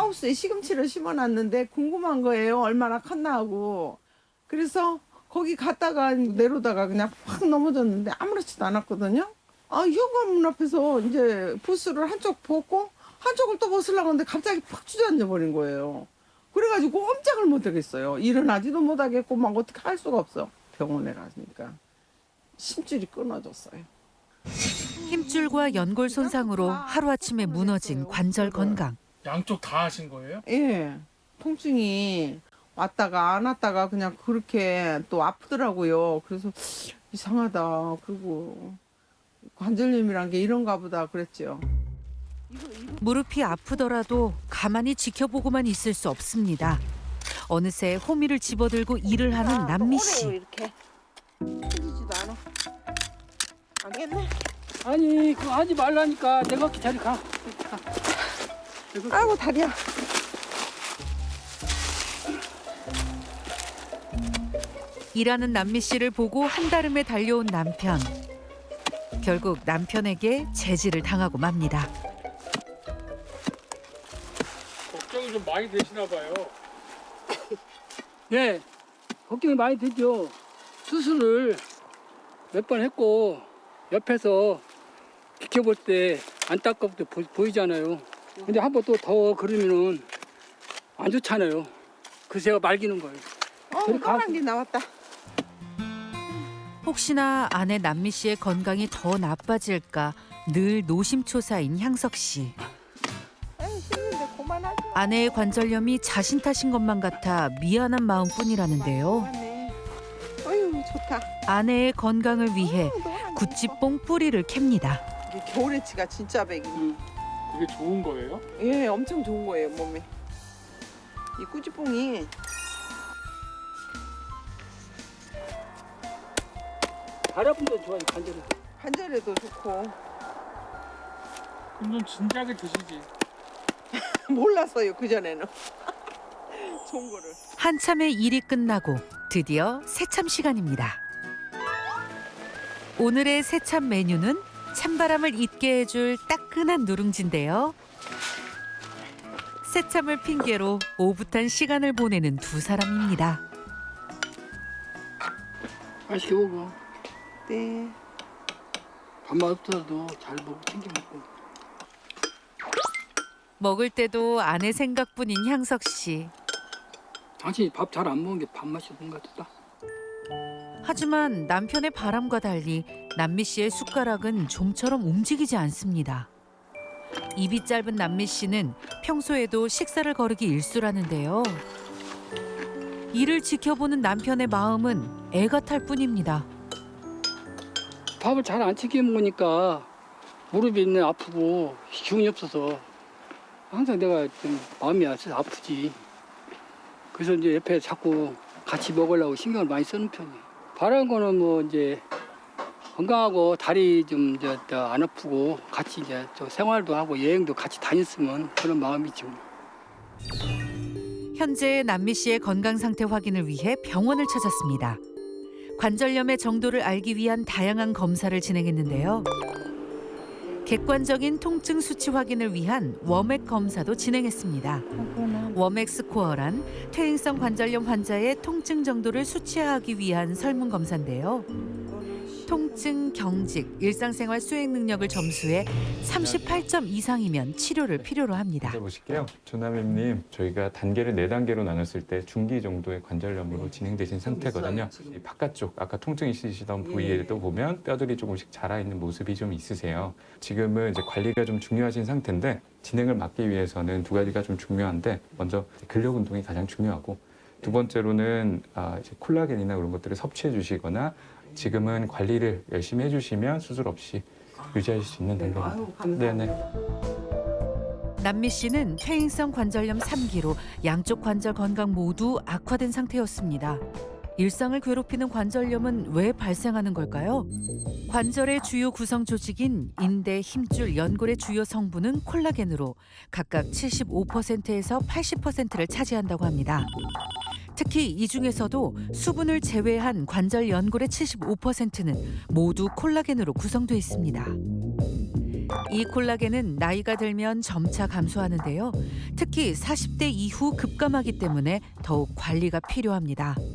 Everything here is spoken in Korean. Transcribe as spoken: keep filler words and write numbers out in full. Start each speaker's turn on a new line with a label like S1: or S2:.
S1: 하우스에 시금치를 심어놨는데 궁금한 거예요. 얼마나 컸나 하고. 그래서 거기 갔다가 내려다가 그냥 확 넘어졌는데 아무렇지도 않았거든요. 아, 현관문 앞에서 이제 부스를 한쪽 벗고 한쪽을 또 벗으려고 하는데 갑자기 팍 주저앉아 버린 거예요. 그래가지고 꼼짝을 못 하겠어요. 일어나지도 못하겠고 막 어떻게 할 수가 없어. 병원에 가니까 심줄이 끊어졌어요.
S2: 힘줄과 연골 손상으로 하루아침에 무너진 관절 건강.
S3: 양쪽 다 하신 거예요?
S1: 예, 통증이 왔다가 안 왔다가 그냥 그렇게 또 아프더라고요. 그래서 이상하다. 그리고 관절염이란 게 이런가 보다 그랬죠.
S2: 무릎이 아프더라도 가만히 지켜보고만 있을 수 없습니다. 어느새 호미를 집어들고 일을 하는 남미 씨.
S1: 이렇게 틀리지도 않아. 알겠네.
S4: 아니 그거 하지 말라니까. 내가 기다려 가. 가. 내가
S1: 아이고 다리야.
S2: 일하는 남미 씨를 보고 한달음에 달려온 남편. 결국 남편에게 제지를 당하고 맙니다.
S3: 걱정이 좀 많이 되시나 봐요.
S4: 예, 걱정이 많이 되죠. 수술을 몇 번 했고 옆에서 지켜볼 때 안타깝게 보, 보이잖아요. 근데 한 번 또 더 그러면은 안 좋잖아요. 그래서 제가 말기는 거예요.
S1: 어,
S4: 저리 가.
S1: 노란 게 나왔다.
S2: 혹시나 아내 남미 씨의 건강이 더 나빠질까 늘 노심초사인 향석 씨.
S1: 에이, 힘든데 그만하지.
S2: 아내의 관절염이 자신 탓인 것만 같아 미안한 마음뿐이라는데요.
S1: 그만해. 어휴 좋다.
S2: 아내의 건강을 위해
S1: 어, 노란 거.
S2: 구찌뽕 뿌리를 캡니다.
S1: 이게 겨울에치가 진짜 백이.
S4: 음.
S3: 그게 좋은 거예요?
S1: 예, 엄청 좋은 거예요 몸에. 이 꾸지뽕이
S4: 다리 아픈 데 좋아요. 관절이.
S1: 관절에도 좋고.
S3: 그럼 좀 진작에 드시지.
S1: 몰랐어요 그 전에는. 좋은 거를.
S2: 한참의 일이 끝나고 드디어 새참 시간입니다. 오늘의 새참 메뉴는 찬바람을 잊게 해줄 따끈한 누룽지인데요. 새참을 핑계로 오붓한 시간을 보내는 두 사람입니다.
S4: 맛있게 먹어.
S1: 네.
S4: 밥맛 없어도 잘 먹고 챙겨 먹고.
S2: 먹을 때도 아내 생각뿐인 향석 씨.
S4: 당신이 밥 잘 안 먹은 게 밥맛이 없는 것 같다.
S2: 하지만 남편의 바람과 달리 남미 씨의 숟가락은 좀처럼 움직이지 않습니다. 입이 짧은 남미 씨는 평소에도 식사를 거르기 일쑤라는데요. 이를 지켜보는 남편의 마음은 애가 탈 뿐입니다.
S4: 밥을 잘 안 챙겨 먹으니까 무릎이 있네 아프고 기운이 없어서 항상 내가 좀 마음이 아프지. 그래서 이제 옆에 자꾸 같이 먹으려고 신경을 많이 쓰는 편이에요. 바라는 거는 뭐 이제 건강하고 다리 좀 이제 안 아프고 같이 이제 또 생활도 하고 여행도 같이 다녔으면 그런 마음이죠.
S2: 현재 남미 씨의 건강 상태 확인을 위해 병원을 찾았습니다. 관절염의 정도를 알기 위한 다양한 검사를 진행했는데요. 객관적인 통증 수치 확인을 위한 워맥 검사도 진행했습니다. 워맥 스코어란 퇴행성 관절염 환자의 통증 정도를 수치화하기 위한 설문 검사인데요. 통증, 경직, 일상생활 수행 능력을 점수해 삼십팔 점 이상이면 치료를 필요로 합니다.
S5: 보실게요. 조남임님, 저희가 단계를 네 단계로 나눴을 때 중기 정도의 관절염으로 진행되신 상태거든요. 이 바깥쪽, 아까 통증 있으시던 부위에도 보면 뼈들이 조금씩 자라있는 모습이 좀 있으세요. 지금은 이제 관리가 좀 중요하신 상태인데 진행을 막기 위해서는 두 가지가 좀 중요한데 먼저 근력 운동이 가장 중요하고 두 번째로는 아, 이제 콜라겐이나 그런 것들을 섭취해 주시거나 지금은 관리를 열심히 해주시면 수술 없이 유지하실 수 있는 단계입니다. 네네.
S2: 남미 씨는 퇴행성 관절염 삼 기로 양쪽 관절 건강 모두 악화된 상태였습니다. 일상을 괴롭히는 관절염은 왜 발생하는 걸까요? 관절의 주요 구성 조직인 인대, 힘줄, 연골의 주요 성분은 콜라겐으로 각각 칠십오 퍼센트에서 팔십 퍼센트를 차지한다고 합니다. 특히 이 중에서도 수분을 제외한 관절 연골의 칠십오 퍼센트는 모두 콜라겐으로 구성되어 있습니다. 이 콜라겐은 나이가 들면 점차 감소하는데요. 특히 사십 대 이후 급감하기 때문에 더욱 관리가 필요합니다.